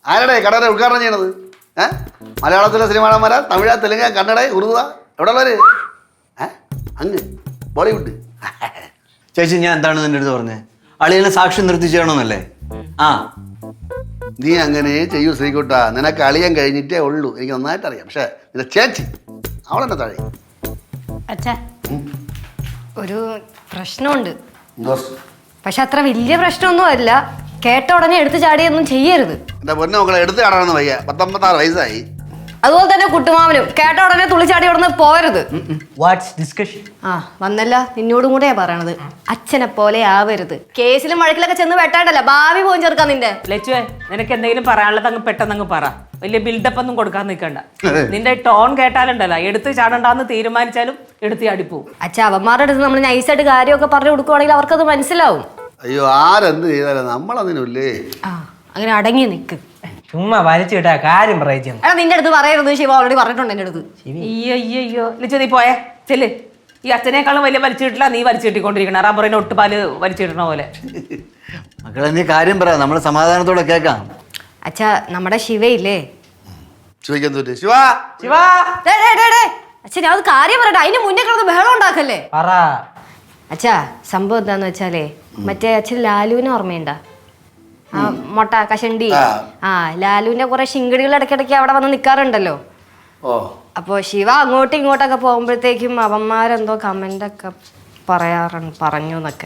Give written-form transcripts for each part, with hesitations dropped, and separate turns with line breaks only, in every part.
ആരുടെ കടയുടെ ഉദ്ഘാടനം ചെയ്യണത്? മലയാളത്തിലെ സിനിമാടന്മാരാ? തമിഴ്, തെലുങ്ക്, കന്നഡ, ഉറുദ? എവിടെ ഉള്ളവര്? അങ്ങ് ബോളിവുഡ്.
ചേച്ചി ഞാൻ എന്താണ് നിന്റെ അടുത്ത് പറഞ്ഞത്? അളിയനെ സാക്ഷി നിർത്തി ചെയ്യണമെന്നല്ലേ? ആ
നീ അങ്ങനെ ചെയ്യൂ ശ്രീകുട്ട. നിനക്ക് അളിയാൻ കഴിഞ്ഞിട്ടേ ഉള്ളൂ, എനിക്ക് നന്നായിട്ട് അറിയാം. പക്ഷെ നിന്റെ ചേച്ചി അവളെന്നെ താഴെ.
അച്ഛാ, ഒരു പ്രശ്നമുണ്ട്. പക്ഷെ അത്ര വലിയ പ്രശ്നമൊന്നും അല്ല. കേട്ട ഉടനെ എടുത്തു ചാടിയൊന്നും ചെയ്യരുത്.
എന്റെ പൊന്നു മക്കളെ, എടുത്ത് ചാടാനൊന്നും വയ്യ. 19 വയസ്സായി.
അതുപോലെ തന്നെ കുട്ടുമാവനും കേട്ട ഉടനെ തുള്ളിച്ചാടി ഉടനെ പോരുത്. വന്നല്ല, നിന്നോടും കൂടെയാ പറയണത്. അച്ഛനെ പോലെ ആവരുത്. കേസിലും വഴക്കിലൊക്കെ ചെന്ന് വെട്ടാണ്ടല്ല ഭാവി പോയി ചേർക്കാൻ നിന്റെ.
ലച്ചുവേ, നിനക്ക് എന്തെങ്കിലും പറയാനുള്ളത് അങ്ങ് പെട്ടെന്ന് പറ. വലിയ ബിൽഡപ്പ് ഒന്നും കൊടുക്കാൻ നിൽക്കണ്ട. നിന്റെ ടോൺ കേട്ടാലുണ്ടല്ലോ, എടുത്ത് ചാടണ്ടെന്ന് തീരുമാനിച്ചാലും എടുത്ത് ചാടിപ്പോവും.
അച്ഛാ, അവന്മാരുടെ അടുത്ത് നമ്മൾ നൈസായിട്ട് കാര്യമൊക്കെ പറഞ്ഞു കൊടുക്കുവാണെങ്കിൽ അവർക്കത് മനസ്സിലാവും.
അയ്യോ, ആരെന്ത് ചെയ്താലും നമ്മളതിനല്ലേ.
അങ്ങനെ അടങ്ങി നിക്ക്.
ചുമ്മാ വലിച്ചു കിട്ടാ കാര്യം പറയിച്ചു.
എടാ, നിന്റെ അടുത്ത് പറയരുത്. ശിവ ഓൾറെഡി പറഞ്ഞിട്ടുണ്ട് എന്റെ അടുത്ത്.
അയ്യോ ലച്ചു, നീ പോയേ ചെല്ല്. ഈ അച്ഛനേക്കാളും വലിയ വലിച്ചു കിട്ടില്ല നീ വലിച്ചു കിട്ടിക്കൊണ്ടിരിക്കണ. റബ്ബറിന് ഒട്ടുപാല് വലിച്ചു കിട്ടണ പോലെ.
മക്കളെ നീ കാര്യം പറ, നമ്മൾ സമാധാനത്തോടെ കേൾക്കാം.
അച്ഛാ, നമ്മുടെ ശിവയില്ലേ?
ചോദിക്കാൻ തോറ്റേ ശിവ.
അച്ഛാ, ഞാൻ അത് കാര്യം പറയട്ടെ. അതിന് മുന്നേ കിടന്ന് ബഹളം ഉണ്ടാക്കല്ലേ.
പറ.
അച്ഛാ, സംഭവം എന്താന്ന് വെച്ചാലേ, മറ്റേ അച്ഛൻ ലാലുവിനെ ഓർമ്മയുണ്ടാ? ആ മൊട്ട കഷണ്ടി. ലാലുവിന്റെ കുറെ ശിങ്കടികൾ ഇടയ്ക്കിടയ്ക്ക് അവിടെ വന്ന് നിക്കാറുണ്ടല്ലോ. അപ്പൊ ശിവ അങ്ങോട്ടും ഇങ്ങോട്ടൊക്കെ പോകുമ്പോഴത്തേക്കും അവന്മാരെന്തോ കമന്റ് ഒക്കെ പറഞ്ഞു എന്നൊക്കെ.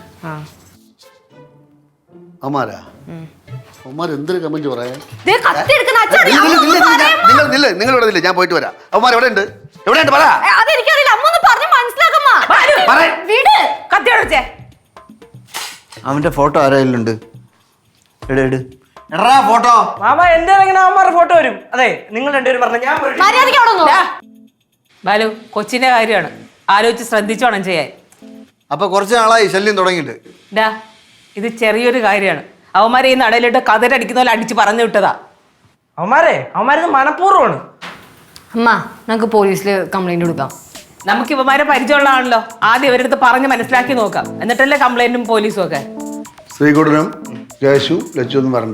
എന്തൊരു കമന്റ് പറയാ? നിങ്ങൾ ഇവിടെ ഇല്ല, ഞാൻ പോയിട്ട് വരാം. അവന്മാർ എവിടെ ഉണ്ട്? എവിടെയുണ്ട് പറ.
അവന്റെ ഫോട്ടോ ആരായാലുണ്ട്? ഫോട്ടോ
മാമ എന്റെ അവന്മാരുടെ ഫോട്ടോ വരും. അതെ, നിങ്ങൾ രണ്ടുപേരും പറഞ്ഞ ഞാൻ
ബാലു, കൊച്ചിന്റെ കാര്യമാണ്, ആലോചിച്ച് ശ്രദ്ധിച്ചോണം ചെയ്യാൻ.
അപ്പൊ കുറച്ച് നാളായി ശല്യം തുടങ്ങിയിട്ട്.
ഇത് ചെറിയൊരു കാര്യമാണ്. അവന്മാരെ ഈ നടയിലിട്ട് കതിരടിക്കുന്ന പോലെ അടിച്ച് പറഞ്ഞു വിട്ടതാ.
അവന്മാരിത് മനഃപൂർവ്വമാണ്.
അമ്മ, നമുക്ക് പോലീസിൽ കംപ്ലൈന്റ് കൊടുക്കാം.
നമുക്ക് ഇവന്മാരെ പരിചയമുള്ളതാണല്ലോ. ആദ്യം ഇവരടുത്ത് പറഞ്ഞ് മനസ്സിലാക്കി നോക്കാം, എന്നിട്ടല്ലേ കംപ്ലൈന്റും പോലീസും ഒക്കെ.
ശ്രീകുട്ടനും കേശു ലച്ചു ഒന്നും വരണ്ട.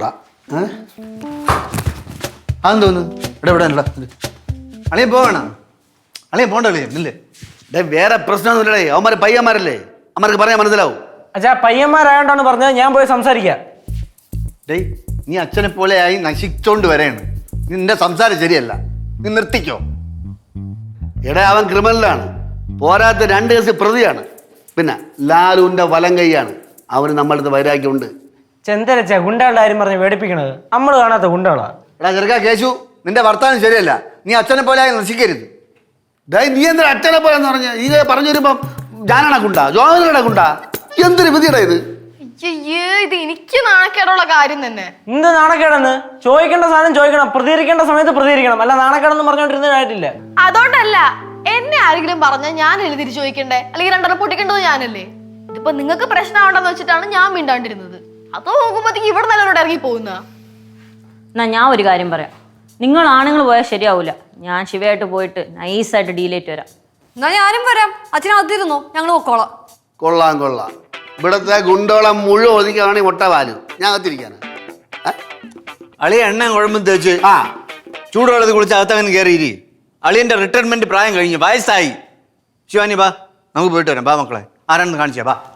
അതെന്ന് തോന്നുന്നു. ഇവിടെ അളിയ പോവണ? അളിയ പോണ്ടല്ലേ? ഇല്ലേ,
വേറെ പ്രശ്നമൊന്നുമില്ലേ. അവന്മാര് പയ്യന്മാരല്ലേ, അവന്മാർക്ക് പറയാൻ മനസ്സിലാവും.
അച്ഛാ, പയ്യന്മാരായോണ്ടാണ് പറഞ്ഞത്. ഞാൻ പോയി സംസാരിക്കാം.
നീ അച്ഛനെ പോലെ ആയി നശിച്ചോണ്ട് വരെയാണ്. നിന്റെ സംസാരം ശരിയല്ല, നീ നിർത്തിക്കോ.
അവൻ ക്രിമിനലാണ്, പോരാത്ത 2 കേസ് പ്രതിയാണ്. പിന്നെ ലാലുവിന്റെ വലം കൈയാണ്. അവന് നമ്മളടുത്ത് വൈരാഗ്യമുണ്ട്.
ചെന്തരച്ച ഗുണ്ടകളുടെ കാര്യം പറഞ്ഞ് പേടിപ്പിക്കണത് നമ്മള് കാണാത്ത ഗുണ്ടകളാ.
ചെറുക്കാ കേശു, നിന്റെ വർത്താനം ശരിയല്ല. നീ അച്ഛനെ പോലെ ആയി നശിക്കരുത്. നീ എന്താ അച്ഛനെ പോലെന്ന് പറഞ്ഞ് ഈ പറഞ്ഞു വരുമ്പം ഞാനാണ് ഗുണ്ട, ജോഹനാണ് ഗുണ്ട. എന്തൊരു വിധിയുടെ ഇത്.
ഇത് എനിക്ക് നാണക്കേടുള്ള കാര്യം തന്നെ.
എന്ത് നാണക്കേടെന്ന്? ചോദിക്കേണ്ട സാധനം ചോദിക്കണം, പ്രതികരിക്കേണ്ട സമയത്ത് പ്രതികരിക്കണം. അല്ല നാണക്കേടെന്ന് പറഞ്ഞോണ്ടിരുന്ന കാര്യമില്ല.
അതുകൊണ്ടല്ല, എന്നെ ആരെങ്കിലും പറഞ്ഞാൽ ഞാനല്ലേ തിരിച്ചു ചോദിക്കണ്ടേ? അല്ലെങ്കിൽ 2 പൊട്ടിക്കേണ്ടത് ഞാനല്ലേ? ഇതിപ്പോ നിങ്ങൾക്ക് പ്രശ്നമാണെന്ന് വെച്ചിട്ടാണ് ഞാൻ മിണ്ടാണ്ടിരുന്നത്. അതോ നോക്കുമ്പോഴത്തേക്ക് ഇവിടെ നല്ലവരോട് ഇറങ്ങി പോകുന്ന.
എന്നാ ഞാൻ ഒരു കാര്യം പറയാം. നിങ്ങൾ ആണുങ്ങൾ പോയാൽ ശരിയാവൂല. ഞാൻ ശിവയായിട്ട് പോയിട്ട് നൈസായിട്ട് ഡീലേറ്റ് വരാം.
എന്നാ ഞാനും വരാം. അച്ഛനകത്തിരുന്നോ, ഞങ്ങൾ പൊക്കോളാം.
കൊള്ളാം. ഇവിടത്തെ ഗുണ്ടോളം മുഴുവൻ ഒതുക്കുകയാണെങ്കിൽ മുട്ട പാലും ഞാൻ അകത്തിരിക്കാണ്.
അളിയ എണ്ണ കുഴമ്പും തേച്ച് ചൂടുവെള്ളത്തിൽ കുളിച്ച് അകത്തങ്ങനെ കയറിയിരി. അളിയന്റെ റിട്ടയർമെന്റ് പ്രായം കഴിഞ്ഞു, വയസ്സായി. ശിവാനി ബാ, നമുക്ക് പോയിട്ട് വരാം. ബാ മക്കളെ, ആരാണെന്ന് കാണിച്ചാ ബാ.